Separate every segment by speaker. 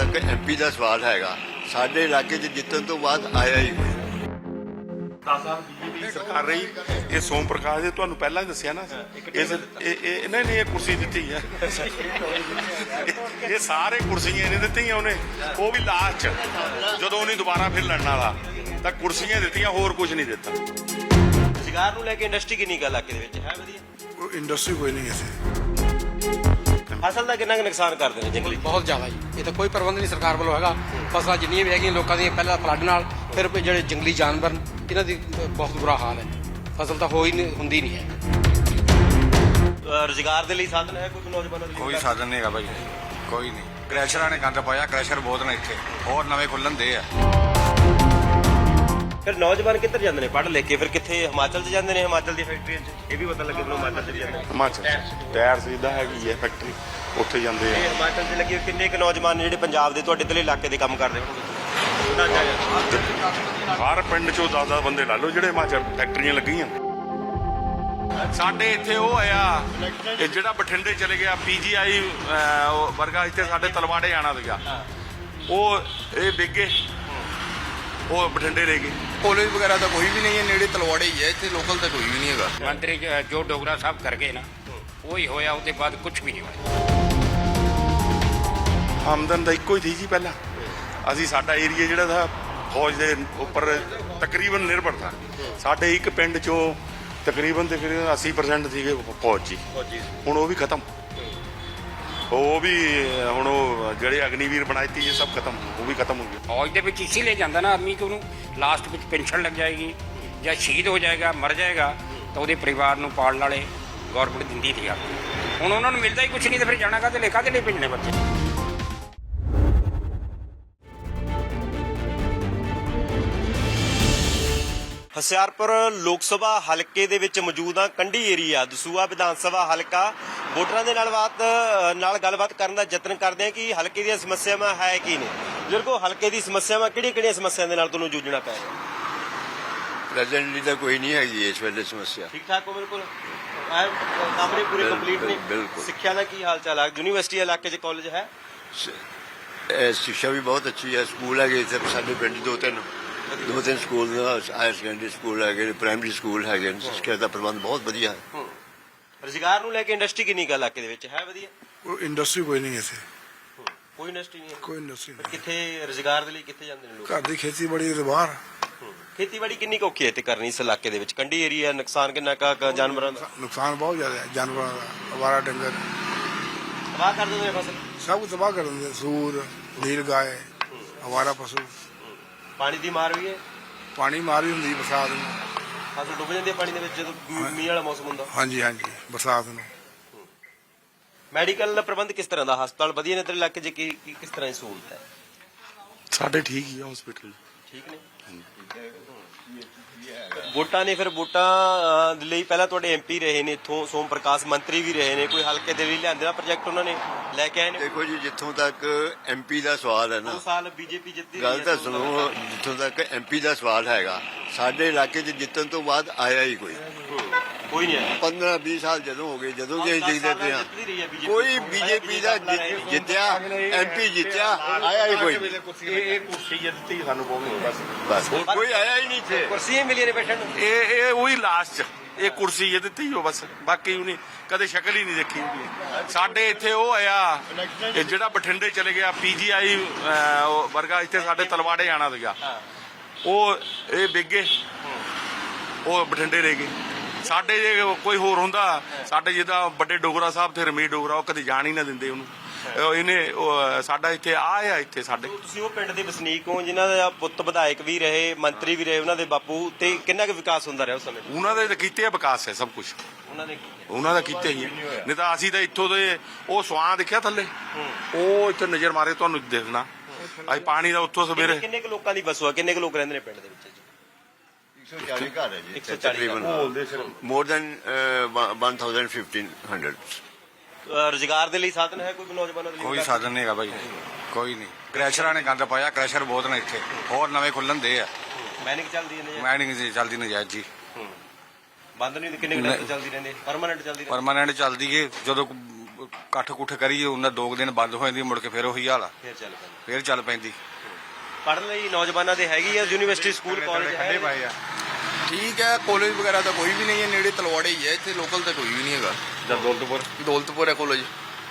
Speaker 1: तक MP ਦਾ ਸਵਾਲ ਹੈਗਾ ਸਾਡੇ ਇਲਾਕੇ 'ਚ ਜਿੱਤਣ ਤੋਂ ਬਾਅਦ ਆਇਆ ਹੀ ਕੋਈ।
Speaker 2: 10 ਸਾਲ ਬੀਜੇਪੀ ਸਰਕਾਰ ਰਹੀ। ਇਹ ਸੋਮ ਪ੍ਰਕਾਸ਼ ਜੀ ਤੁਹਾਨੂੰ ਪਹਿਲਾਂ ਹੀ ਦੱਸਿਆ ਨਾ, ਇਹਨਾਂ ਨੇ ਇਹ ਕੁਰਸੀ ਦਿੱਤੀ ਹੈ। ਇਹ ਸਾਰੇ ਕੁਰਸੀਆਂ ਇਹਨੇ ਦਿੱਤੀਆਂ, ਉਹਨੇ ਉਹ ਵੀ ਲਾਸਟ 'ਚ ਜਦੋਂ ਉਹਨੇ ਦੁਬਾਰਾ ਫਿਰ ਲੜਨ ਵਾਲਾ ਤਾਂ ਕੁਰਸੀਆਂ ਦਿੱਤੀਆਂ, ਹੋਰ ਕੁਝ ਨਹੀਂ ਦਿੱਤਾ।
Speaker 3: ਰੁਜ਼ਗਾਰ ਨੂੰ ਲੈ ਕੇ ਇੰਡਸਟਰੀ ਕਿੰਨੀ ਕੁ ਇਲਾਕੇ ਦੇ ਵਿੱਚ ਹੈ? ਵਧੀਆ
Speaker 4: ਇੰਡਸਟਰੀ ਕੋਈ ਨਹੀਂ ਇੱਥੇ।
Speaker 3: ਫਸਲ ਦਾ ਕਿੰਨਾ ਕੁ ਨੁਕਸਾਨ ਕਰਦੇ ਨੇ ਜੰਗਲੀ?
Speaker 5: ਬਹੁਤ ਜ਼ਿਆਦਾ ਜੀ। ਇਹ ਤਾਂ ਕੋਈ ਪ੍ਰਬੰਧ ਨਹੀਂ ਸਰਕਾਰ ਵੱਲੋਂ ਹੈਗਾ। ਫਸਲਾਂ ਜਿੰਨੀਆਂ ਵੀ ਹੈਗੀਆਂ ਲੋਕਾਂ ਦੀਆਂ ਪਹਿਲਾਂ ਫਲੱਡ ਨਾਲ, ਫਿਰ ਜਿਹੜੇ ਜੰਗਲੀ ਜਾਨਵਰ ਇਹਨਾਂ ਦੀ ਬਹੁਤ ਬੁਰਾ ਹਾਲ ਹੈ। ਫਸਲ ਤਾਂ ਹੁੰਦੀ ਨਹੀਂ ਹੈ।
Speaker 3: ਰੁਜ਼ਗਾਰ ਦੇ ਲਈ ਸਾਧਨ ਹੈ ਕੋਈ ਨੌਜਵਾਨਾਂ ਦੇ ਲਈ?
Speaker 6: ਕੋਈ ਸਾਧਨ ਨਹੀਂ ਹੈਗਾ ਭਾਈ, ਕੋਈ ਨਹੀਂ। ਕ੍ਰੈਸ਼ਰਾਂ ਨੇ ਗੰਦ ਪਾਇਆ, ਕ੍ਰੈਸ਼ਰ ਬਹੁਤ ਨੇ ਇੱਥੇ, ਹੋਰ ਨਵੇਂ ਖੁੱਲਣ ਦੇ ਆ।
Speaker 3: ਫਿਰ ਨੌਜਵਾਨ ਕਿੱਧਰ ਜਾਂਦੇ ਨੇ ਪੜ੍ਹ ਲਿਖ ਕੇ? ਫਿਰ ਕਿੱਥੇ? ਹਿਮਾਚਲ 'ਚ ਜਾਂਦੇ ਨੇ, ਹਿਮਾਚਲ ਦੀ ਫੈਕਟਰੀਆਂ 'ਚ। ਇਹ ਵੀ ਪਤਾ ਲੱਗੇ ਤੁਹਾਨੂੰ ਹਿਮਾਚਲ 'ਚ ਜਾਂਦੇ ਨੇ।
Speaker 2: ਹਿਮਾਚਲ ਟਾਇਰ ਸਿੱਧਾ ਹੈਗੀ ਹੈ ਫੈਕਟਰੀ, ਉੱਥੇ ਜਾਂਦੇ ਆ।
Speaker 3: ਹਿਮਾਚਲ 'ਚ ਲੱਗੇ ਕਿੰਨੇ ਕੁ ਨੌਜਵਾਨ ਨੇ ਜਿਹੜੇ ਪੰਜਾਬ ਦੇ ਤੁਹਾਡੇ ਇੱਧਰਲੇ ਇਲਾਕੇ ਦੇ ਕੰਮ ਕਰਦੇ ਹੋਣਗੇ?
Speaker 2: ਹਰ ਪਿੰਡ 'ਚੋਂ 10 ਬੰਦੇ ਲਾ ਲਓ ਜਿਹੜੇ ਹਿਮਾਚਲ ਫੈਕਟਰੀਆਂ ਲੱਗੀਆਂ। ਸਾਡੇ ਇੱਥੇ ਉਹ ਆਇਆ ਕਿ ਜਿਹੜਾ ਬਠਿੰਡੇ ਚਲੇ ਗਿਆ PGI ਵਰਗਾ, ਇੱਥੇ ਸਾਡੇ ਤਲਵਾੜੇ ਆਣਾ ਸੀਗਾ, ਉਹ ਇਹ ਵਿਗੇ, ਉਹ ਬਠਿੰਡੇ ਲੈ ਗਏ।
Speaker 4: ਕਾਲਜ ਵਗੈਰਾ ਤਾਂ ਕੋਈ ਵੀ ਨਹੀਂ ਹੈ, ਨੇੜੇ ਤਲਵਾੜੇ ਹੀ ਹੈ, ਇੱਥੇ ਲੋਕਲ ਤਾਂ ਕੋਈ ਵੀ ਨਹੀਂ ਹੈਗਾ।
Speaker 7: ਮੰਤਰੀ ਜੋ ਡੋਗਰਾ ਸਾਹਿਬ ਕਰ ਗਏ ਨਾ, ਉਹੀ ਹੋਇਆ। ਉਹਦੇ ਬਾਅਦ ਕੁਝ ਵੀ ਨਹੀਂ ਹੋਇਆ।
Speaker 2: ਆਮਦਨ ਦਾ ਇੱਕੋ ਹੀ ਸੀ ਜੀ ਪਹਿਲਾਂ। ਅਸੀਂ ਸਾਡਾ ਏਰੀਆ ਜਿਹੜਾ था ਫੌਜ ਦੇ ਉੱਪਰ ਤਕਰੀਬਨ ਨਿਰਭਰ था। ਸਾਡੇ ਇੱਕ ਪਿੰਡ 'ਚੋਂ ਤਕਰੀਬਨ ਤੇ ਫਿਰ 80% ਸੀਗੇ ਫੌਜ 'ਚ। ਹੁਣ ਉਹ ਵੀ ਖਤਮ, ਉਹ ਵੀ ਹੁਣ ਉਹ ਜਿਹੜੇ ਅਗਨੀਵੀਰ ਬਣਾਈ ਇਹ ਸਭ ਖਤਮ, ਉਹ ਵੀ ਖਤਮ ਹੋ ਗਏ।
Speaker 7: ਫੌਜ ਦੇ ਵਿੱਚ ਇਸੇ ਲਈ ਜਾਂਦਾ ਨਾ ਆਦਮੀ ਕਿ ਉਹਨੂੰ ਲਾਸਟ ਵਿੱਚ ਪੈਨਸ਼ਨ ਲੱਗ ਜਾਏਗੀ ਜਾਂ ਸ਼ਹੀਦ ਹੋ ਜਾਏਗਾ, ਮਰ ਜਾਏਗਾ, ਤਾਂ ਉਹਦੇ ਪਰਿਵਾਰ ਨੂੰ ਪਾਲਣ ਵਾਲੇ ਗੌਰਮੈਂਟ ਦਿੰਦੀ ਸੀ। ਹੁਣ ਉਹਨਾਂ ਨੂੰ ਮਿਲਦਾ ਹੀ ਕੁਝ ਨਹੀਂ, ਤਾਂ ਫਿਰ ਜਾਣਾ ਕਾਹਦੇ ਲਈ ਭੇਜਣੇ ਬੱਚੇ?
Speaker 3: ਹੁਸ਼ਿਆਰਪੁਰ ਲੋਕ ਸਭਾ ਹਲਕੇ ਦੇ ਵਿੱਚ ਮੌਜੂਦ ਆ। ਕੰਢੀ ਏਰੀਆ ਦਸੂਹਾ ਵਿਧਾਨ ਸਭਾ ਹਲਕਾ। ਵੋਟਰਾਂ ਦੇ ਨਾਲ ਗੱਲਬਾਤ ਕਰਨ ਦਾ ਯਤਨ ਕਰਦੇ ਆ ਕਿ ਹਲਕੇ ਦੀਆਂ ਸਮੱਸਿਆਵਾਂ ਹੈ ਕੀ ਨੇ। ਬਜ਼ੁਰਗੋ, ਹਲਕੇ ਦੀ ਸਮੱਸਿਆਵਾਂ ਕਿਹੜੀਆਂ ਸਮੱਸਿਆਵਾਂ ਦੇ ਨਾਲ ਤੁਹਾਨੂੰ ਜੂਝਣਾ ਪੈ ਰਿਹਾ?
Speaker 1: ਪ੍ਰੈਜ਼ੈਂਟਲੀ ਤਾਂ ਕੋਈ ਨਹੀਂ ਹੈਗੀ ਇਸ ਵੇਲੇ ਸਮੱਸਿਆ।
Speaker 3: ਠੀਕ ਠਾਕ ਹੋ? ਬਿਲਕੁਲ ਕਮਰੇ ਪੂਰੇ ਕੰਪਲੀਟ ਨੇ।
Speaker 1: ਬਿਲਕੁਲ।
Speaker 3: ਸਿੱਖਿਆ ਦਾ ਕੀ ਹਾਲ ਚਾਲ ਹੈ? ਯੂਨੀਵਰਸਿਟੀ ਇਲਾਕੇ 'ਚ ਕਾਲਜ ਹੈ?
Speaker 1: ਸਿੱਖਿਆ ਵੀ ਬਹੁਤ ਅੱਛੀ ਹੈ। ਸਕੂਲ ਹੈਗੇ ਇੱਥੇ ਸਾਡੇ ਪਿੰਡ ਦੋ ਤਿੰਨ ਸਕੂਲ, ਹਾਇਰ ਸੈਕੰਡਰੀ ਸਕੂਲ ਹੈਗੇ, ਪ੍ਰਾਇਮਰੀ ਸਕੂਲ ਹੈਗੇ। ਸਿੱਖਿਆ ਦਾ ਪ੍ਰਬੰਧ ਬਹੁਤ ਵਧੀਆ ਹੈ।
Speaker 3: ਰੁਜ਼ਗਾਰ ਨੂੰ ਲੈ ਕੇ ਇੰਡਸਟਰੀ ਕਿੰਨੀ ਕੁ ਇਲਾਕੇ ਦੇ ਵਿੱਚ ਹੈ? ਵਧੀਆ।
Speaker 4: ਇੰਡਸਟਰੀ ਕੋਈ ਨਹੀਂ ਇੱਥੇ,
Speaker 3: ਕੋਈ ਇੰਡਸਟਰੀ ਨਹੀਂ ਹੈ।
Speaker 4: ਕੋਈ ਇੰਡਸਟਰੀ ਨਹੀਂ।
Speaker 3: ਕਿੱਥੇ ਰੁਜ਼ਗਾਰ ਦੇ ਲਈ ਕਿੱਥੇ ਜਾਂਦੇ ਨੇ ਲੋਕ?
Speaker 4: ਘਰ ਦੀ ਖੇਤੀਬਾੜੀ ਦੇ ਬਾਹਰ।
Speaker 3: ਖੇਤੀਬਾੜੀ ਕਿੰਨੀ ਕੁ ਔਖੀ ਹੈ ਤੇ ਕਰਨੀ ਇਸ ਇਲਾਕੇ ਦੇ ਵਿੱਚ? ਕੰਢੀ ਏਰੀਆ, ਨੁਕਸਾਨ ਕਿੰਨਾ ਕੁ ਜਾਨਵਰਾਂ ਦਾ?
Speaker 4: ਨੁਕਸਾਨ ਬਹੁਤ ਜ਼ਿਆਦਾ ਹੈ ਜਾਨਵਰਾਂ ਦਾ। ਅਵਾਰਾ ਡੰਗਰ
Speaker 3: ਤਬਾਹ ਕਰ ਦਿੰਦੇ ਨੇ ਫਸਲ।
Speaker 4: ਸਭ ਕੁਝ ਤਬਾਹ ਕਰ ਦਿੰਦੇ। ਸੂਰ, ਨੀਲ ਗਾਏ, ਅਵਾਰਾ ਪਸ਼ੂ।
Speaker 3: ਪਾਣੀ ਦੀ ਮਾਰ ਵੀ ਹੈ?
Speaker 4: ਪਾਣੀ ਮਾਰ ਵੀ ਹੁੰਦੀ ਬਰਸਾਤ ਨੂੰ।
Speaker 3: ਫਸਲ ਡੁੱਬ ਜਾਂਦੀ ਹੈ ਪਾਣੀ ਦੇ ਵਿੱਚ ਜਦੋਂ ਮੀਂਹ ਵਾਲਾ ਮੌਸਮ ਹੁੰਦਾ।
Speaker 4: ਹਾਂਜੀ ਹਾਂਜੀ, ਬਰਸਾਤ ਨੂੰ।
Speaker 3: ਮੈਡੀਕਲ ਦਾ ਪ੍ਰਬੰਧ ਕਿਸ ਤਰ੍ਹਾਂ ਦਾ? ਹਸਪਤਾਲ ਵਧੀਆ ਨੇ ਤੇਰੇ ਇਲਾਕੇ 'ਚ? ਕਿਸ ਤਰ੍ਹਾਂ ਦੀ ਸਹੂਲਤ ਹੈ?
Speaker 2: ਸਾਡੇ ਠੀਕ ਹੀ ਆ ਹਸਪੀਟਲ।
Speaker 3: ਠੀਕ ਨੇ। ਵੋਟਾਂ ਨੇ ਫਿਰ ਵੋਟਾਂ ਦੇ ਲਈ ਪਹਿਲਾਂ ਤੁਹਾਡੇ MP ਰਹੇ ਨੇ ਇੱਥੋਂ, ਸੋਮ ਪ੍ਰਕਾਸ਼ ਮੰਤਰੀ ਵੀ ਰਹੇ ਨੇ। ਕੋਈ ਹਲਕੇ ਦੇ ਲਈ ਲਿਆਂਦੇ ਦਾ ਪ੍ਰੋਜੈਕਟ ਉਹਨਾਂ ਨੇ ਲੈ ਕੇ ਆਏ ਨੇ?
Speaker 1: ਦੇਖੋ ਜੀ, ਜਿੱਥੋਂ ਤੱਕ MP ਦਾ ਸਵਾਲ ਹੈ ਨਾ,
Speaker 3: 2 ਸਾਲ BJP ਜਿੱਤੀ
Speaker 1: ਗੱਲ ਤਾਂ ਸੁਣੋ। ਜਿੱਥੋਂ ਤੱਕ MP ਦਾ ਸਵਾਲ ਹੈਗਾ ਸਾਡੇ ਇਲਾਕੇ 'ਚ ਜਿੱਤਣ ਤੋਂ ਬਾਅਦ ਆਇਆ ਹੀ ਕੋਈ।
Speaker 3: ਕੋਈ ਨਹੀਂ ਆਇਆ।
Speaker 1: 15-20 ਸਾਲ ਜਦੋਂ ਹੋ ਗਏ, ਜਦੋਂ ਵੀ ਅਸੀਂ ਦੇਖਦੇ ਪਏ ਹਾਂ,
Speaker 3: BJP
Speaker 1: ਕੋਈ BJP ਦਾ ਜਿੱਤਿਆ, MP ਜਿੱਤਿਆ, ਆਇਆ ਹੀ ਕੋਈ।
Speaker 2: ਇਹ ਕੁਰਸੀ ਦਿੱਤੀ ਸਾਨੂੰ ਬਹੁਤ,
Speaker 1: ਬਸ ਹੋਰ ਕੋਈ ਆਇਆ ਹੀ ਨਹੀਂ ਇੱਥੇ।
Speaker 3: ਕੁਰਸੀਆਂ ਮਿਲੀਆਂ ਨੇ ਬੈਠਣ ਨੂੰ।
Speaker 2: ਇਹ ਉਹੀ ਲਾਸਟ 'ਚ ਇਹ ਕੁਰਸੀ ਇਹ ਦਿੱਤੀ ਹੋ ਬਸ, ਬਾਕੀ ਉਹਨੇ ਕਦੇ ਸ਼ਕਲ ਹੀ ਨਹੀਂ ਦੇਖੀ ਉਹਦੀ। ਸਾਡੇ ਇੱਥੇ ਉਹ ਆਇਆ ਕਿ ਜਿਹੜਾ ਬਠਿੰਡੇ ਚਲੇ ਗਿਆ PGI ਵਰਗਾ, ਇੱਥੇ ਸਾਡੇ ਤਲਵਾੜੇ ਆਣਾ ਸੀਗਾ, ਉਹ ਇਹ ਵਿਗੇ, ਉਹ ਬਠਿੰਡੇ ਲੈ ਗਏ। ਸਾਡੇ ਜੇ ਕੋਈ ਹੋਰ ਹੁੰਦਾ, ਸਾਡੇ ਜਿੱਦਾਂ ਵੱਡੇ ਡੋਗਰਾ ਸਾਹਿਬ ਤੇ ਰਮੀਤ ਡੋਗਰਾ, ਉਹ ਕਦੇ ਜਾਣ ਹੀ ਨਾ ਦਿੰਦੇ ਉਹਨੂੰ। ਸਾਡਾ ਇੱਥੇ ਆ ਇੱਥੇ ਸਾਡੇ।
Speaker 3: ਤੁਸੀਂ ਉਹ ਪਿੰਡ ਦੇ ਵਸਨੀਕ ਹੋ ਜਿਨ੍ਹਾਂ ਦਾ ਪੁੱਤ ਵਿਧਾਇਕ ਵੀ ਰਹੇ, ਮੰਤਰੀ ਵੀ ਰਹੇ, ਉਹਨਾਂ ਦੇ ਬਾਪੂ, ਤੇ ਕਿੰਨਾ ਕੁ ਵਿਕਾਸ ਹੁੰਦਾ ਰਿਹਾ ਉਸ ਸਮੇਂ?
Speaker 2: ਉਹਨਾਂ ਦੇ ਤਾਂ ਕੀਤੇ ਆ ਵਿਕਾਸ ਹੈ ਸਭ ਕੁਝ, ਉਹਨਾਂ ਦਾ ਕੀਤੇ ਹੀ ਨਹੀਂ ਤਾਂ ਅਸੀਂ ਤਾਂ ਇੱਥੋਂ ਦੇ ਉਹ ਸਵਾਂ ਦੇਖਿਆ ਥੱਲੇ, ਉਹ ਇੱਥੇ ਨਜ਼ਰ ਮਾਰੇ ਤੁਹਾਨੂੰ ਦੇਖਣਾ। ਅੱਜ ਪਾਣੀ ਦਾ ਉੱਥੋਂ ਸਵੇਰੇ
Speaker 3: ਕਿੰਨੇ ਕੁ ਲੋਕਾਂ ਦੀ ਵਸੋਂ ਆ? ਕਿੰਨੇ ਕੁ ਲੋਕ ਰਹਿੰਦੇ ਨੇ ਪਿੰਡ ਦੇ ਵਿੱਚ?
Speaker 1: 140 ਘਰ ਹੈ ਜੀ
Speaker 3: 140
Speaker 1: ਤਕਰੀਬਨ, ਮੋਰ ਦੈਨ 1500।
Speaker 3: ਰੁਜ਼ਗਾਰ ਦੇ ਲਈ ਸਾਧਨ ਹੈ ਕੋਈ ਨੌਜਵਾਨਾਂ ਦੇ ਲਈ?
Speaker 6: ਕੋਈ ਸਾਧਨ ਨਹੀਂ ਹੈਗਾ ਭਾਈ, ਕੋਈ ਨਹੀਂ। ਕ੍ਰੈਸ਼ਰਾਂ ਨੇ ਗੰਦ ਪਾਇਆ, ਕ੍ਰੈਸ਼ਰ ਬਹੁਤ ਨੇ ਇੱਥੇ, ਹੋਰ ਨਵੇਂ ਖੁੱਲਣ ਦੇ ਆ।
Speaker 3: ਮਾਈਨਿੰਗ ਚੱਲਦੀ ਹੈ?
Speaker 6: ਮਾਈਨਿੰਗ ਚੱਲਦੀ ਨਜਾਇਜ਼ ਜੀ।
Speaker 3: ਬੰਦ ਨਹੀਂ? ਕਿੰਨੇ ਟਾਈਮ ਚੱਲਦੀ ਰਹਿੰਦੀ? ਪਰਮਾਨੈਂਟ ਚੱਲਦੀ?
Speaker 6: ਪਰਮਾਨੈਂਟ ਚੱਲਦੀ ਏ। ਜਦੋਂ ਇਕੱਠ ਕੁੱਠ ਕਰੀਏ ਉਹਨਾਂ 2 ਦਿਨ ਬੰਦ ਹੋ ਜਾਂਦੀ ਮੁੜ ਕੇ ਫਿਰ ਉਹੀ ਹਾਲ ਆ
Speaker 3: ਫਿਰ ਚੱਲ ਪੈਂਦਾ।
Speaker 6: ਫਿਰ ਚੱਲ ਪੈਂਦੀ
Speaker 3: ਪੜ੍ਹਨ ਲਈ ਨੌਜਵਾਨਾਂ ਦੇ ਹੈਗੀ ਆ ਯੂਨੀਵਰਸਿਟੀ ਸਕੂਲ ਕਾਲਜ
Speaker 6: ਖੱਡੇ ਪਾਏ ਆ।
Speaker 8: ਠੀਕ ਹੈ, ਕਾਲਜ ਵਗੈਰਾ ਤਾਂ ਕੋਈ ਵੀ ਨਹੀਂ ਹੈ, ਨੇੜੇ ਤਲਵਾੜੇ ਹੀ ਹੈ, ਇੱਥੇ ਲੋਕਲ ਤਾਂ ਕੋਈ ਵੀ ਨਹੀਂ ਹੈਗਾ। ਦੌਲਤਪੁਰ ਹੈ ਕਾਲਜ।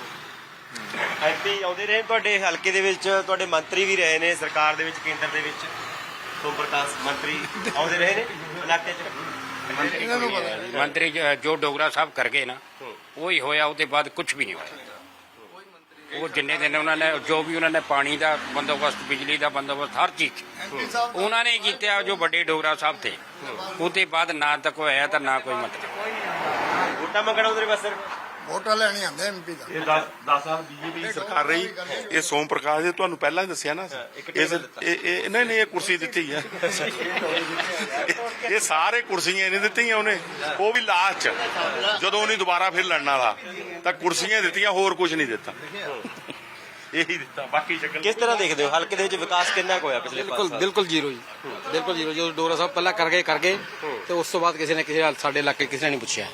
Speaker 3: ਐਮਪੀ ਆਉਂਦੇ ਰਹੇ ਤੁਹਾਡੇ ਹਲਕੇ ਦੇ ਵਿੱਚ, ਤੁਹਾਡੇ ਮੰਤਰੀ ਵੀ ਰਹੇ ਨੇ ਸਰਕਾਰ ਦੇ ਵਿੱਚ, ਕੇਂਦਰ ਦੇ ਵਿੱਚ ਸੋਮ ਪ੍ਰਕਾਸ਼ ਮੰਤਰੀ ਆਉਂਦੇ ਰਹੇ ਨੇ ਇਲਾਕੇ 'ਚ।
Speaker 7: ਮੰਤਰੀ ਜੋ ਡੋਗਰਾ ਸਾਹਿਬ ਕਰ ਗਏ ਨਾ ਉਹੀ ਹੋਇਆ, ਉਹਦੇ ਬਾਅਦ ਕੁਝ ਵੀ ਨਹੀਂ ਹੋਇਆ। ਉਹ ਜਿੰਨੇ ਦਿਨ ਉਹਨਾਂ ਨੇ ਜੋ ਵੀ ਉਹਨਾਂ ਨੇ ਪਾਣੀ ਦਾ ਬੰਦੋਬਸਤ, ਬਿਜਲੀ ਦਾ ਬੰਦੋਬਸਤ, ਹਰ ਚੀਜ਼ ਉਹਨਾਂ ਨੇ ਕੀਤਾ, ਜੋ ਵੱਡੇ ਡੋਗਰਾ ਸਾਹਿਬ ਥੇ। ਉਹਦੇ ਬਾਅਦ ਨਾ ਤਾਂ ਕੋਈ ਆਇਆ ਤਾਂ ਨਾ ਕੋਈ ਮਤਲਬ।
Speaker 3: ਵੋਟਾਂ ਮੰਗਣ ਆਉਂਦੇ ਨੇ ਬਸ ਸਿਰਫ।
Speaker 4: ਵੋਟਾਂ ਲੈਣੀ ਆਉਂਦੇ ਐਮਪੀ ਦਾ।
Speaker 2: ਇਹ 10 ਸਾਲ ਬੀਜੇਪੀ ਸਰਕਾਰ ਰਹੀ। ਇਹ ਸੋਮ ਪ੍ਰਕਾਸ਼ ਜੀ ਤੁਹਾਨੂੰ ਪਹਿਲਾਂ ਹੀ ਦੱਸਿਆ ਨਾ, ਇਹ ਨਹੀਂ ਇਹ ਕੁਰਸੀ ਦਿੱਤੀ ਹੈ। ਇਹ ਸਾਰੇ ਕੁਰਸੀਆਂ ਇਹਨੇ ਦਿੱਤੀਆਂ ਉਹਨੇ, ਉਹ ਵੀ ਲਾਸਟ ਚ ਜਦੋਂ ਉਹਨੇ ਦੁਬਾਰਾ ਫਿਰ ਲੜਨ ਵਾਲਾ ਤਾਂ ਕੁਰਸੀਆਂ ਦਿੱਤੀਆਂ, ਹੋਰ ਕੁਝ ਨਹੀਂ ਦਿੱਤਾ। ਇਹੀ ਦਿੱਤਾ, ਬਾਕੀ ਸ਼ਕਲ।
Speaker 3: ਕਿਸ ਤਰ੍ਹਾਂ ਦੇਖਦੇ ਹੋ ਹਲਕੇ ਦੇ ਵਿੱਚ ਵਿਕਾਸ ਕਿੰਨਾ ਕੁ ਹੋਇਆ ਪਿਛਲੇ 5 ਸਾਲ?
Speaker 5: ਬਿਲਕੁਲ ਜ਼ੀਰੋ ਜੀ, ਬਿਲਕੁਲ ਜ਼ੀਰੋ। ਜੋ ਡੋਗਰਾ ਸਾਹਿਬ ਪਹਿਲਾਂ ਕਰ ਗਏ ਤੇ ਉਸ ਤੋਂ ਬਾਅਦ ਕਿਸੇ ਨੇ ਕਿਸੇ ਸਾਡੇ ਇਲਾਕੇ ਕਿਸੇ ਨੇ ਨਹੀਂ ਪੁੱਛਿਆ।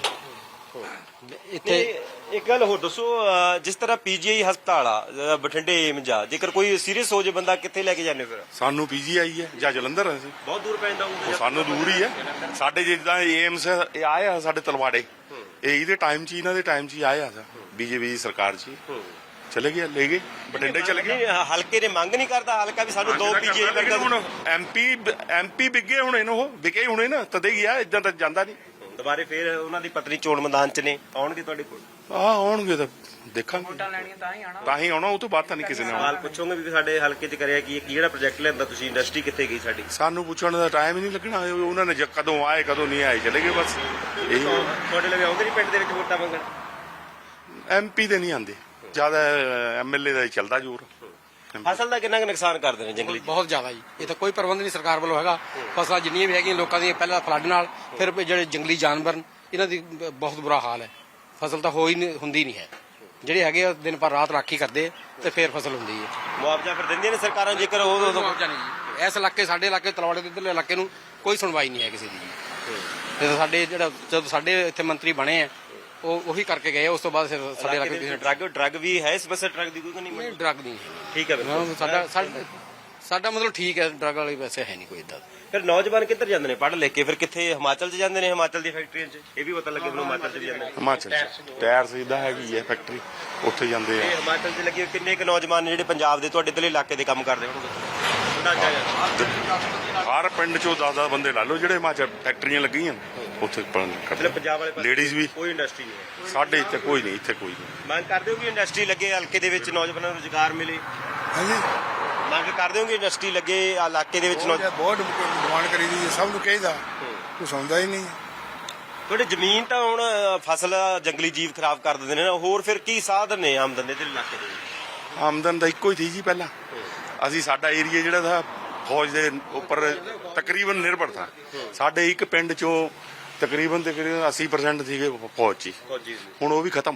Speaker 5: ਇੱਥੇ
Speaker 3: ਇੱਕ ਗੱਲ ਹੋਰ ਦੱਸੋ, ਜਿਸ ਤਰ੍ਹਾਂ ਪੀਜੀਆਈ ਹਸਪਤਾਲ ਆ ਬਠਿੰਡੇ ਏਮਜ ਆ, ਜੇਕਰ ਕੋਈ ਸੀਰੀਅਸ ਹੋ ਜੇ ਬੰਦਾ ਕਿੱਥੇ ਲੈ ਕੇ ਜਾਂਦੇ ਫਿਰ?
Speaker 2: ਸਾਨੂੰ ਪੀਜੀਆਈ ਹੈ ਜਾਂ ਜਲੰਧਰ ਹੈ।
Speaker 3: ਬਹੁਤ ਦੂਰ ਪੈਂਦਾ
Speaker 2: ਉਹ ਸਾਨੂੰ ਦੂਰ ਹੀ ਹੈ। ਸਾਡੇ ਜਿੱਦਾਂ ਏਮਸ ਇਹ ਆਏ ਆ ਸਾਡੇ ਤਲਵਾੜੇ, ਇਹ ਇਹਦੇ ਟਾਈਮ 'ਚ, ਇਹਨਾਂ ਦੇ ਟਾਈਮ 'ਚ ਹੀ ਆਏ ਆ ਬੀਜੇਪੀ ਦੀ ਸਰਕਾਰ 'ਚ ਚਲੇ ਗਏ, ਲੈ ਗਏ ਬਠਿੰਡੇ ਚਲੇ ਗਏ।
Speaker 3: ਹਲਕੇ ਨੇ ਮੰਗ ਨਹੀਂ ਕਰਦਾ ਹਲਕਾ ਵੀ ਸਾਨੂੰ 2 ਪੀਜੀਆਈ ਵਰਗਾ।
Speaker 2: ਹੁਣ ਐਮਪੀ ਵਿਗੇ ਹੁਣੇ ਨੇ, ਉਹ ਵਿਕੇ ਹੁਣੇ ਨਾ ਤਦੇ ਗਿਆ, ਇਦਾਂ ਤਾਂ ਜਾਂਦਾ ਨਹੀਂ।
Speaker 3: ਦੁਬਾਰੇ ਫੇਰ ਉਹਨਾਂ ਦੀ ਪਤਨੀ ਚੋਣ ਮੈਦਾਨ 'ਚ ਨੇ, ਆਉਣਗੇ ਤੁਹਾਡੇ ਕੋਲ?
Speaker 2: ਆਉਣਗੇ ਤਾਂ ਦੇਖਾਂਗੇ, ਤਾਂ ਹੀ ਆਉਣਾ, ਉਹ ਤੋਂ ਬਾਅਦ ਤਾਂ ਨਹੀਂ ਕਿਸੇ ਨੇ ਆਉਣਾ।
Speaker 3: ਸਵਾਲ ਪੁੱਛੋਗੇ ਵੀ ਸਾਡੇ ਹਲਕੇ 'ਚ ਕਰਿਆ ਕੀ, ਕਿਹੜਾ ਪ੍ਰੋਜੈਕਟ ਲਿਆਂਦਾ ਤੁਸੀਂ, ਇੰਡਸਟਰੀ ਕਿੱਥੇ ਗਈ ਸਾਡੀ?
Speaker 2: ਸਾਨੂੰ ਪੁੱਛਣ ਦਾ ਟਾਈਮ ਹੀ ਨਹੀਂ ਲੱਗਣਾ, ਉਹਨਾਂ ਨੇ ਕਦੋਂ ਆਏ ਕਦੋਂ ਨਹੀਂ ਆਏ, ਚਲੇ ਗਏ ਬਸ। ਇਹੀ
Speaker 3: ਤੁਹਾਡੇ ਲਈ ਆਉਂਦੇ ਨਹੀਂ ਪਿੰਡ ਦੇ ਵਿੱਚ ਵੋਟਾਂ ਮੰਗਣ?
Speaker 2: ਐਮਪੀ ਦੇ ਨਹੀਂ ਆਉਂਦੇ, ਜ਼ਿਆਦਾ ਐਮਐਲਏ ਦਾ ਹੀ ਚੱਲਦਾ ਜ਼ੋਰ।
Speaker 3: ਫਸਲ ਦਾ ਕਿੰਨਾ ਕੁ ਨੁਕਸਾਨ ਕਰਦੇ ਨੇ ਜੰਗਲੀ?
Speaker 5: ਬਹੁਤ ਜ਼ਿਆਦਾ ਜੀ। ਇਹ ਤਾਂ ਕੋਈ ਪ੍ਰਬੰਧ ਨਹੀਂ ਸਰਕਾਰ ਵੱਲੋਂ ਹੈਗਾ। ਫਸਲਾਂ ਜਿੰਨੀਆਂ ਵੀ ਹੈਗੀਆਂ ਲੋਕਾਂ ਦੀਆਂ ਪਹਿਲਾਂ ਫਲੱਡ ਨਾਲ, ਫਿਰ ਜਿਹੜੇ ਜੰਗਲੀ ਜਾਨਵਰ ਇਹਨਾਂ ਦੀ ਬਹੁਤ ਬੁਰਾ ਹਾਲ ਹੈ। ਫਸਲ ਤਾਂ ਹੁੰਦੀ ਨਹੀਂ ਹੈ। ਜਿਹੜੇ ਹੈਗੇ ਆ ਦਿਨ ਪਰ ਰਾਤ ਰਾਖੀ ਕਰਦੇ ਤੇ ਫਿਰ ਫਸਲ ਹੁੰਦੀ ਹੈ।
Speaker 3: ਮੁਆਵਜ਼ਾ ਫਿਰ ਦਿੰਦੀਆਂ ਨੇ ਸਰਕਾਰਾਂ ਜੇਕਰ ਉਹ?
Speaker 5: ਮੁਆਵਜ਼ਾ ਨਹੀਂ ਜੀ। ਇਸ ਇਲਾਕੇ, ਸਾਡੇ ਇਲਾਕੇ ਤਲਵਾੜੇ ਦੇ ਇੱਧਰਲੇ ਇਲਾਕੇ ਨੂੰ ਕੋਈ ਸੁਣਵਾਈ ਨਹੀਂ ਹੈ ਕਿਸੇ ਦੀ ਜੀ। ਤੇ ਸਾਡੇ ਜਦੋਂ ਸਾਡੇ ਇੱਥੇ ਮੰਤਰੀ ਬਣੇ ਆ ਉਹ ਉਹੀ ਕਰਕੇ ਗਏ, ਉਸ ਤੋਂ ਬਾਅਦ ਫਿਰ ਸਾਡੇ ਇਲਾਕੇ ਕਿਸੇ
Speaker 3: ਡਰੱਗ ਵੀ ਹੈ? ਇਸ ਪਾਸੇ ਡਰੱਗ ਦੀ ਕੋਈ ਨਹੀਂ?
Speaker 5: ਡਰੱਗ ਨਹੀਂ।
Speaker 3: ਠੀਕ ਹੈ,
Speaker 5: ਸਾਡਾ ਮਤਲਬ ਠੀਕ ਹੈ, ਡਰੱਗ ਵਾਲੀ ਵੈਸੇ ਹੈ ਨਹੀਂ ਕੋਈ ਇਦਾਂ।
Speaker 3: ਫਿਰ ਨੌਜਵਾਨ ਕਿੱਧਰ ਜਾਂਦੇ ਨੇ ਪੜ੍ਹ ਲਿਖ ਕੇ? ਫਿਰ ਕਿੱਥੇ? ਹਿਮਾਚਲ 'ਚ ਜਾਂਦੇ ਨੇ, ਹਿਮਾਚਲ ਦੀ ਫੈਕਟਰੀਆਂ 'ਚ। ਇਹ ਵੀ ਪਤਾ ਲੱਗੇ ਮੈਨੂੰ ਹਿਮਾਚਲ 'ਚ ਵੀ ਜਾਂਦੇ ਨੇ।
Speaker 2: ਹਿਮਾਚਲ ਟਾਇਰ ਸਿੱਧਾ ਹੈਗੀ ਹੈ ਫੈਕਟਰੀ, ਉੱਥੇ ਜਾਂਦੇ ਆ।
Speaker 3: ਇਹ ਹਿਮਾਚਲ 'ਚ ਲੱਗੇ ਕਿੰਨੇ ਕੁ ਨੌਜਵਾਨ ਨੇ ਜਿਹੜੇ ਪੰਜਾਬ ਦੇ ਤੁਹਾਡੇ ਇੱਧਰਲੇ ਇਲਾਕੇ ਦੇ ਕੰਮ ਕਰਦੇ ਹੋਣਗੇ?
Speaker 2: ਹਰ ਪਿੰਡ 'ਚੋਂ 10-10 ਬੰਦੇ ਲਾ ਲਓ ਜਿਹੜੇ ਹਿਮਾਚਲ ਫੈਕਟਰੀਆਂ ਲੱਗੀਆਂ ਉੱਥੇ
Speaker 3: ਮਤਲਬ ਪੰਜਾਬ ਵਾਲੇ ਪਾਸੇ
Speaker 2: ਲੇਡੀਜ਼ ਵੀ।
Speaker 3: ਕੋਈ ਇੰਡਸਟਰੀ ਨਹੀਂ ਹੈ
Speaker 2: ਸਾਡੇ ਇੱਥੇ ਕੋਈ ਨਹੀਂ, ਇੱਥੇ ਕੋਈ ਨਹੀਂ।
Speaker 3: ਮੰਗ ਕਰਦੇ ਹੋ ਕਿ ਇੰਡਸਟਰੀ ਲੱਗੇ ਹਲਕੇ ਦੇ ਵਿੱਚ, ਨੌਜਵਾਨਾਂ ਨੂੰ ਰੁਜ਼ਗਾਰ ਮਿਲੇ?
Speaker 4: ਹਾਂਜੀ,
Speaker 3: ਮੰਗ ਕਰਦੇ ਹੋ ਕਿ ਇੰਡਸਟਰੀ ਲੱਗੇ ਇਲਾਕੇ ਦੇ ਵਿੱਚ?
Speaker 4: ਬਹੁਤ ਡਿਮਾਂਡ ਕਰੀ ਦੀ ਹੈ, ਸਭ ਨੂੰ ਕਹੀਦਾ, ਕੁਛ ਆਉਂਦਾ ਹੀ ਨਹੀਂ।
Speaker 3: ਤੁਹਾਡੇ ਜ਼ਮੀਨ ਤਾਂ ਹੁਣ ਫਸਲ ਜੰਗਲੀ ਜੀਵ ਖਰਾਬ ਕਰ ਦਿੰਦੇ ਨੇ ਨਾ, ਹੋਰ ਫਿਰ ਕੀ ਸਾਧਨ ਨੇ ਆਮਦਨ ਦੇ ਇਲਾਕੇ ਦੇ?
Speaker 2: ਆਮਦਨ ਦਾ ਇੱਕੋ ਹੀ ਸੀ ਜੀ ਪਹਿਲਾਂ। ਅਸੀਂ ਸਾਡਾ ਏਰੀਆ ਜਿਹੜਾ ਥਾ ਫੌਜ ਦੇ ਉੱਪਰ ਤਕਰੀਬਨ ਨਿਰਭਰ ਥਾ। ਸਾਡੇ ਇੱਕ ਪਿੰਡ 'ਚੋਂ ਤਕਰੀਬਨ 80% ਸੀਗੇ ਫੌਜ 'ਚ। ਹੁਣ ਉਹ ਵੀ ਖਤਮ,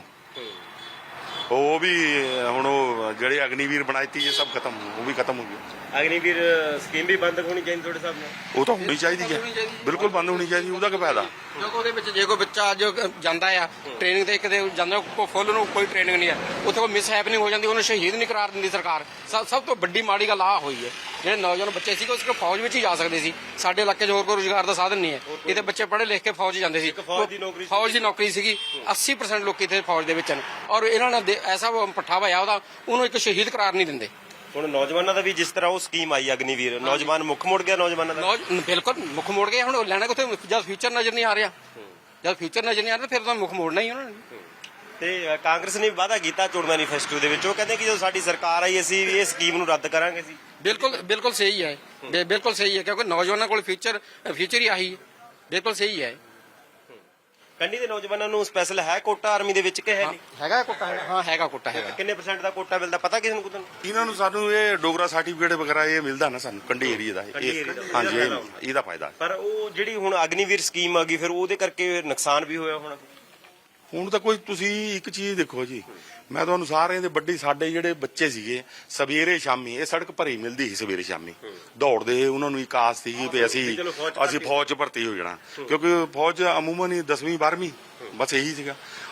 Speaker 2: ਉਹ ਵੀ ਹੁਣ ਉਹ ਜਿਹੜੇ ਅਗਨੀਵੀਰ ਬਣਾਈਤੀ ਇਹ ਸਭ ਖਤਮ, ਉਹ ਵੀ ਖਤਮ ਹੋ ਗਿਆ।
Speaker 3: ਅਗਨੀਵੀਰ ਸਕੀਮ ਵੀ ਬੰਦ ਹੋਣੀ ਚਾਹੀਦੀ ਤੁਹਾਡੇ ਹਿਸਾਬ ਨਾਲ?
Speaker 2: ਉਹ ਤਾਂ ਹੋਣੀ ਚਾਹੀਦੀ ਹੈ, ਬਿਲਕੁਲ ਬੰਦ ਹੋਣੀ ਚਾਹੀਦੀ। ਉਹਦਾ ਕੀ ਫਾਇਦਾ?
Speaker 5: ਕਿਉਂਕਿ ਉਹਦੇ ਵਿੱਚ ਜੇ ਕੋਈ ਬੱਚਾ ਅੱਜ ਜਾਂਦਾ ਆ ਟ੍ਰੇਨਿੰਗ ਤੇ, ਕਿਤੇ ਜਾਂਦਾ ਕੋਈ ਫੁੱਲ ਨੂੰ ਕੋਈ ਟ੍ਰੇਨਿੰਗ ਨਹੀਂ ਹੈ, ਉੱਥੇ ਕੋਈ ਮਿਸ ਹੈਪਨਿੰਗ ਹੋ ਜਾਂਦੀ, ਉਹਨੂੰ ਸ਼ਹੀਦ ਨਹੀਂ ਕਰਾਰ ਦਿੰਦੀ ਸਰਕਾਰ। ਸਭ ਤੋਂ ਵੱਡੀ ਮਾੜੀ ਗੱਲ ਆਹ ਹੋਈ ਹੈ। ਜਿਹੜੇ ਨੌਜਵਾਨ ਬੱਚੇ ਸੀ ਉਹ ਸਿਰਫ ਫੌਜ ਵਿੱਚ ਹੀ ਜਾ ਸਕਦੇ ਸੀ। ਸਾਡੇ ਇਲਾਕੇ 'ਚ ਹੋਰ ਕੋਈ ਰੁਜ਼ਗਾਰ ਦਾ ਸਾਧਨ ਨਹੀਂ ਹੈ। ਇਹਦੇ ਬੱਚੇ ਪੜ੍ਹੇ ਲਿਖ ਕੇ ਫੌਜ 'ਚ ਜਾਂਦੇ ਸੀ, ਫੌਜ ਦੀ ਨੌਕਰੀ ਸੀਗੀ। 80% ਲੋਕ ਇੱਥੇ ਫੌਜ ਦੇ ਵਿੱਚ ਹਨ, ਔਰ ਇਹਨਾਂ ਨੇ ਐਸਾ ਪੱਠਾ ਪਾਇਆ ਉਹਨੂੰ ਇੱਕ ਸ਼ਹੀਦ ਕਰਾਰ ਨਹੀਂ ਦਿੰਦੇ।
Speaker 3: ਹੁਣ ਨੌਜਵਾਨਾਂ ਦਾ ਵੀ ਜਿਸ ਤਰ੍ਹਾਂ ਉਹ ਸਕੀਮ ਆਈ ਅਗਨੀਵੀਰ, ਨੌਜਵਾਨ ਮੁੱਖ ਮੋੜ ਗਿਆ ਨੌਜਵਾਨਾਂ ਦਾ।
Speaker 5: ਬਿਲਕੁਲ ਮੁੱਖ ਮੋੜ ਗਿਆ। ਹੁਣ ਲੈਣਾ ਕਿੱਥੇ ਜਦ ਫਿਊਚਰ ਨਜ਼ਰ ਨਹੀਂ ਆ ਰਿਹਾ, ਜਦ ਫਿਊਚਰ ਨਜ਼ਰ ਨਹੀਂ ਆ ਰਿਹਾ ਫਿਰ ਤਾਂ ਮੁੱਖ ਮੋੜਨਾ ਹੀ ਉਹਨਾਂ ਨੇ।
Speaker 3: ਤੇ ਕਾਂਗਰਸ ਨੇ ਵਾਅਦਾ ਕੀਤਾ ਚੋਣ ਮੈਨੀਫੈਸਟੋ ਦੇ ਵਿੱਚ, ਉਹ ਕਹਿੰਦੇ ਕਿ ਜਦੋਂ ਸਾਡੀ ਸਰਕਾਰ ਆਈ ਅਸੀਂ ਇਹ ਸਕੀਮ ਨੂੰ ਰੱਦ ਕਰਾਂਗੇ ਸੀ।
Speaker 5: ਬਿਲਕੁਲ ਸਹੀ ਹੈ, ਬਿਲਕੁਲ ਸਹੀ ਹੈ, ਕਿਉਂਕਿ ਨੌਜਵਾਨਾਂ ਕੋਲ ਫਿਊਚਰ ਹੀ ਆਹੀ ਹੈ। ਬਿਲਕੁਲ ਸਹੀ ਹੈ।
Speaker 3: ਕੰਢੀ ਦੇ ਨੌਜਵਾਨਾਂ ਨੂੰ ਸਪੈਸ਼ਲ ਹੈ ਕੋਟਾ ਆਰਮੀ ਦੇ ਵਿੱਚ ਕਿ ਹੈ ਨਹੀਂ?
Speaker 5: ਹੈਗਾ ਕੋਟਾ? ਹਾਂ ਹੈਗਾ ਕੋਟਾ ਹੈਗਾ।
Speaker 3: ਕਿੰਨੇ % ਦਾ ਕੋਟਾ ਮਿਲਦਾ ਪਤਾ ਕਿਸੇ ਨੂੰ?
Speaker 2: ਇਹਨਾਂ ਨੂੰ ਸਾਨੂੰ ਇਹ ਡੋਗਰਾ ਸਰਟੀਫਿਕੇਟ ਵਗੈਰਾ ਇਹ ਮਿਲਦਾ ਨਾ ਸਾਨੂੰ ਕੰਢੀ ਏਰੀਆ ਦਾ। ਹਾਂਜੀ, ਇਹਦਾ ਫਾਇਦਾ।
Speaker 3: ਪਰ ਉਹ ਜਿਹੜੀ ਹੁਣ ਅਗਨੀਵੀਰ ਸਕੀਮ ਆ ਗਈ ਫਿਰ ਉਹਦੇ ਕਰਕੇ ਨੁਕਸਾਨ ਵੀ ਹੋਇਆ ਹੋਣਾ।
Speaker 2: ਹੁਣ ਤਾਂ ਕੋਈ ਤੁਸੀਂ ਇੱਕ ਚੀਜ਼ ਦੇਖੋ ਜੀ, ਮੈਂ ਤੁਹਾਨੂੰ ਸਾਰਿਆਂ ਦੇ ਵੱਡੀ, ਸਾਡੇ ਜਿਹੜੇ ਬੱਚੇ ਸੀਗੇ ਸਵੇਰੇ ਸ਼ਾਮੀ ਇਹ ਸੜਕ ਭਰੀ ਮਿਲਦੀ ਸੀ, ਸਵੇਰੇ ਸ਼ਾਮੀ ਦੌੜਦੇ। ਉਹਨਾਂ ਨੂੰ ਇੱਕ ਆਸ ਸੀਗੀ ਵੀ ਅਸੀਂ ਫੌਜ 'ਚ ਭਰਤੀ ਹੋ ਜਾਣਾ, ਕਿਉਂਕਿ ਫੌਜ ਅਮੂਮਨ ਹੀ 10ਵੀਂ 12ਵੀਂ ਬਸ ਇਹੀ ਸੀਗਾ।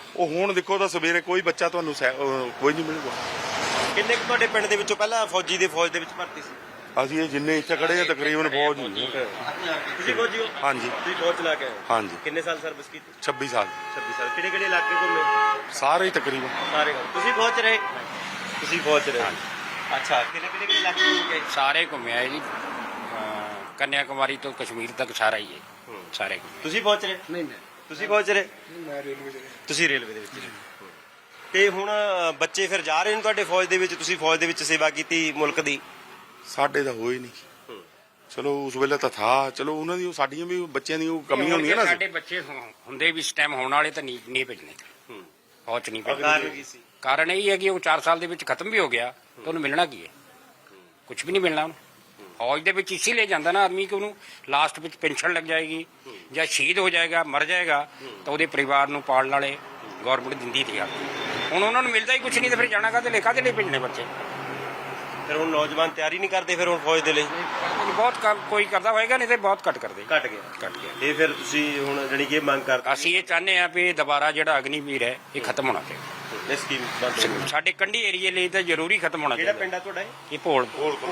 Speaker 2: ਉਹ ਹੁਣ ਦੇਖੋ ਤਾਂ ਸਵੇਰੇ ਕੋਈ ਬੱਚਾ ਤੁਹਾਨੂੰ ਕੋਈ ਨਹੀਂ ਮਿਲੂਗਾ।
Speaker 3: ਕਿੰਨੇ ਕੁ ਤੁਹਾਡੇ ਪਿੰਡ ਦੇ ਵਿੱਚੋਂ ਪਹਿਲਾਂ ਫੌਜ ਦੇ ਵਿੱਚ ਭਰਤੀ ਸੀ?
Speaker 2: ਅਸੀਂ ਇਹ ਜਿੰਨੇ ਇੱਥੇ ਖੜੇ ਆ ਤਕਰੀਬਨ ਫੌਜ ਹੀ ਹੈ।
Speaker 3: ਤੁਸੀਂ ਫੌਜੀ ਹੋ?
Speaker 2: ਹਾਂਜੀ
Speaker 3: ਤੁਸੀਂ ਫੌਜ ਚਲਾ ਕੇ ਆਏ ਹੋ?
Speaker 2: ਹਾਂਜੀ
Speaker 3: ਕਿੰਨੇ ਸਾਲ ਸਰਵਿਸ ਕੀਤੀ?
Speaker 2: 26 ਸਾਲ
Speaker 3: 26 ਸਾਲ। ਕਿਹੜੇ ਕਿਹੜੇ ਇਲਾਕੇ ਘੁੰਮੇ?
Speaker 2: ਸਾਰੇ ਹੀ ਤਕਰੀਬਨ।
Speaker 3: ਸਾਰੇ। ਤੁਸੀਂ ਫੌਜ 'ਚ ਰਹੇ? ਤੁਸੀਂ ਫੌਜ 'ਚ ਰਹੇ। ਅੱਛਾ, ਕਿਹੜੇ ਇਲਾਕੇ ਘੁੰਮ ਕੇ ਆਏ?
Speaker 7: ਸਾਰੇ ਘੁੰਮਿਆ ਜੀ, ਕੰਨਿਆਕੁਮਾਰੀ ਤੋਂ ਕਸ਼ਮੀਰ ਤੱਕ ਸਾਰਾ ਹੀ ਹੈ, ਸਾਰੇ ਘੁੰਮੇ।
Speaker 3: ਤੁਸੀਂ ਫੌਜ 'ਚ ਰਹੇ?
Speaker 4: ਨਹੀਂ
Speaker 3: ਤੁਸੀਂ ਫੌਜ 'ਚ ਰਹੇ?
Speaker 4: ਮੈਂ ਰੇਲਵੇ ਦੇ
Speaker 3: ਤੁਸੀਂ ਰੇਲਵੇ ਦੇ ਵਿੱਚ ਰਹੇ। ਤੇ ਹੁਣ ਬੱਚੇ ਫਿਰ ਜਾ ਰਹੇ ਨੇ ਤੁਹਾਡੇ ਫੌਜ ਦੇ ਵਿੱਚ? ਤੁਸੀਂ ਫੌਜ ਦੇ ਵਿੱਚ ਸੇਵਾ ਕੀਤੀ ਮੁਲਕ ਦੀ?
Speaker 2: ਸਾਡੇ ਤਾਂ ਹੋਏ ਨਹੀਂ। ਚਲੋ ਉਸ ਵੇਲੇ ਤਾਂ ਥਾ, ਚਲੋ ਉਹਨਾਂ ਦੀ ਸਾਡੀਆਂ ਵੀ ਬੱਚਿਆਂ ਦੀ ਉਹ ਕਮੀ ਹੁੰਦੀ ਹੈ ਨਾ।
Speaker 7: ਸਾਡੇ ਬੱਚੇ ਹੁੰਦੇ ਵੀ ਇਸ ਟਾਈਮ ਹੋਣ ਵਾਲੇ ਤਾਂ ਨਹੀਂ ਭੇਜਣੇ, ਫੌਜ 'ਚ ਨਹੀਂ
Speaker 3: ਕਾਰਨ
Speaker 7: ਭੇਜਣੇ।
Speaker 3: ਕੀ ਸੀ?
Speaker 7: ਕਾਰਨ ਇਹ ਹੈ ਕਿ ਉਹ 4 ਸਾਲ ਦੇ ਵਿੱਚ ਖਤਮ ਵੀ ਹੋ ਗਿਆ ਤਾਂ ਉਹਨੂੰ ਮਿਲਣਾ ਕੀ ਹੈ? ਕੁਝ ਵੀ ਨਹੀਂ ਮਿਲਣਾ ਉਹਨੂੰ। ਫੌਜ ਦੇ ਵਿੱਚ ਇਸੇ ਲਈ ਜਾਂਦਾ ਨਾ ਆਦਮੀ ਕਿ ਉਹਨੂੰ ਲਾਸਟ ਵਿੱਚ ਪੈਨਸ਼ਨ ਲੱਗ ਜਾਏਗੀ ਜਾਂ ਸ਼ਹੀਦ ਹੋ ਜਾਏਗਾ, ਮਰ ਜਾਏਗਾ ਤਾਂ ਉਹਦੇ ਪਰਿਵਾਰ ਨੂੰ ਪਾਲਣ ਵਾਲੇ ਗਵਰਨਮੈਂਟ ਦਿੰਦੀ ਥੀ। ਹੁਣ ਉਹਨਾਂ ਨੂੰ ਮਿਲਦਾ ਹੀ ਕੁਝ ਨਹੀਂ ਤਾਂ ਫਿਰ ਜਾਣਾ ਕਾਹਦੇ ਲਈ ਭੇਜਣੇ ਬੱਚੇ?
Speaker 3: ਫਿਰ ਹੁਣ ਨੌਜਵਾਨ ਤਿਆਰੀ ਨਹੀਂ ਕਰਦੇ ਫਿਰ ਹੁਣ ਫੌਜ ਦੇ ਲਈ?
Speaker 7: ਬਹੁਤ ਕੋਈ ਕਰਦਾ ਹੋਏਗਾ, ਨਹੀਂ ਤੇ ਬਹੁਤ ਘੱਟ ਕਰਦੇ।
Speaker 3: ਘਟ ਗਿਆ। ਇਹ ਫਿਰ ਤੁਸੀਂ ਹੁਣ ਜਾਣੀ ਕਿ ਮੰਗ ਕਰਦੇ?
Speaker 7: ਅਸੀਂ ਇਹ ਚਾਹੁੰਦੇ ਹਾਂ ਵੀ ਦੁਬਾਰਾ ਜਿਹੜਾ ਅਗਨੀਵੀਰ ਹੈ ਇਹ ਖਤਮ ਹੋਣਾ ਚਾਹੀਦਾ।
Speaker 3: ਇਹ ਸਕੀਮ ਬੰਦ ਹੋਣੀ।
Speaker 7: ਸਾਡੇ ਕੰਢੀ ਏਰੀਏ ਲਈ ਤਾਂ ਜ਼ਰੂਰੀ ਖਤਮ ਹੋਣਾ
Speaker 3: ਕਿਹੜਾ
Speaker 7: ਚਾਹੀਦਾ।
Speaker 3: ਪਿੰਡ ਆ ਤੁਹਾਡਾ?
Speaker 7: ਇਹ ਭੋਲ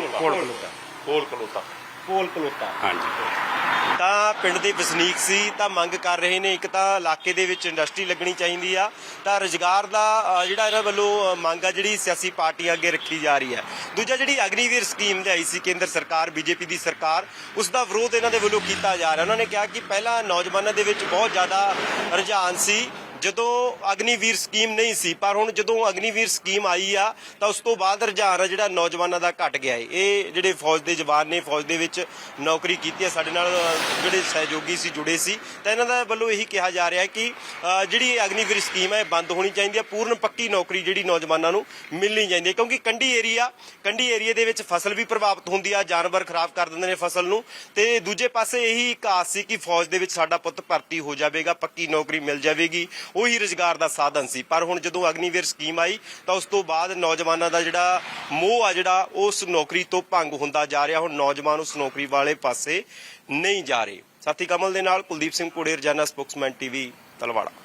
Speaker 3: ਕਲੋਤਾ।
Speaker 7: ਹਾਂਜੀ।
Speaker 3: ਤਾਂ ਪਿੰਡ ਦੇ ਵਸਨੀਕ ਸੀ ਤਾਂ ਮੰਗ ਕਰ ਰਹੇ ਨੇ, ਇੱਕ ਤਾਂ ਇਲਾਕੇ ਦੇ ਵਿੱਚ ਇੰਡਸਟਰੀ ਲੱਗਣੀ ਚਾਹੀਦੀ ਆ, ਤਾਂ ਰੁਜ਼ਗਾਰ ਦਾ ਜਿਹੜਾ ਇਹਨਾਂ ਵੱਲੋਂ ਮੰਗ ਆ ਜਿਹੜੀ ਸਿਆਸੀ ਪਾਰਟੀਆਂ ਅੱਗੇ ਰੱਖੀ ਜਾ ਰਹੀ ਹੈ। ਦੂਜਾ ਜਿਹੜੀ ਅਗਨੀਵੀਰ ਸਕੀਮ ਲਿਆਈ ਸੀ ਕੇਂਦਰ ਸਰਕਾਰ, ਬੀਜੇਪੀ ਦੀ ਸਰਕਾਰ, ਉਸ ਦਾ ਵਿਰੋਧ ਇਹਨਾਂ ਦੇ ਵੱਲੋਂ ਕੀਤਾ ਜਾ ਰਿਹਾ। ਉਹਨਾਂ ਨੇ ਕਿਹਾ ਕਿ ਪਹਿਲਾਂ ਨੌਜਵਾਨਾਂ ਦੇ ਵਿੱਚ ਬਹੁਤ ਜ਼ਿਆਦਾ ਰੁਝਾਨ ਸੀ ਜਦੋਂ ਅਗਨੀਵੀਰ ਸਕੀਮ ਨਹੀਂ ਸੀ, ਪਰ ਹੁਣ ਜਦੋਂ ਅਗਨੀਵੀਰ ਸਕੀਮ ਆਈ ਆ ਤਾਂ ਉਸ ਤੋਂ ਬਾਅਦ ਰੁਝਾਨ ਜਿਹੜਾ ਨੌਜਵਾਨਾਂ ਦਾ ਘਟ ਗਿਆ ਹੈ। ਇਹ ਜਿਹੜੇ ਫੌਜ ਦੇ ਜਵਾਨ ਨੇ, ਫੌਜ ਦੇ ਵਿੱਚ ਨੌਕਰੀ ਕੀਤੀ ਹੈ, ਸਾਡੇ ਨਾਲ ਜਿਹੜੇ ਸਹਿਯੋਗੀ ਸੀ ਜੁੜੇ ਸੀ, ਤਾਂ ਇਹਨਾਂ ਦਾ ਵੱਲੋਂ ਇਹੀ ਕਿਹਾ ਜਾ ਰਿਹਾ ਹੈ ਕਿ ਜਿਹੜੀ ਅਗਨੀਵੀਰ ਸਕੀਮ ਹੈ ਇਹ ਬੰਦ ਹੋਣੀ ਚਾਹੀਦੀ ਹੈ। ਪੂਰਨ ਪੱਕੀ ਨੌਕਰੀ ਜਿਹੜੀ ਨੌਜਵਾਨਾਂ ਨੂੰ ਮਿਲਣੀ ਚਾਹੀਦੀ ਹੈ, ਕਿਉਂਕਿ ਕੰਢੀ ਏਰੀਏ ਦੇ ਵਿੱਚ ਫਸਲ ਵੀ ਪ੍ਰਭਾਵਿਤ ਹੁੰਦੀ ਆ, ਜਾਨਵਰ ਖਰਾਬ ਕਰ ਦਿੰਦੇ ਨੇ ਫਸਲ ਨੂੰ। ਤੇ ਦੂਜੇ ਪਾਸੇ ਇਹੀ ਇੱਕ ਆਸ ਸੀ ਕਿ ਫੌਜ ਦੇ ਵਿੱਚ ਸਾਡਾ ਪੁੱਤ ਭਰਤੀ ਹੋ ਜਾਵੇਗਾ, ਪੱਕੀ ਨੌਕਰੀ ਮਿਲ ਜਾਵੇਗੀ, ਉਹੀ ਰੁਜ਼ਗਾਰ ਦਾ ਸਾਧਨ ਸੀ। ਪਰ ਹੁਣ ਜਦੋਂ ਅਗਨੀਵੀਰ ਸਕੀਮ ਆਈ ਤਾਂ ਉਸ ਤੋਂ ਬਾਅਦ ਨੌਜਵਾਨਾਂ ਦਾ ਜਿਹੜਾ ਮੋਹ ਆ ਜਿਹੜਾ ਉਸ ਨੌਕਰੀ ਤੋਂ ਭੰਗ ਹੁੰਦਾ ਜਾ ਰਿਹਾ। ਹੁਣ ਨੌਜਵਾਨ ਉਸ ਨੌਕਰੀ ਵਾਲੇ ਪਾਸੇ ਨਹੀਂ ਜਾ ਰਹੇ। ਸਾਥੀ ਕਮਲ ਦੇ ਨਾਲ ਕੁਲਦੀਪ ਸਿੰਘ ਕੋੜੇ, ਰੋਜ਼ਾਨਾ ਸਪੋਕਸਮੈਨ ਟੀਵੀ, ਤਲਵਾੜਾ।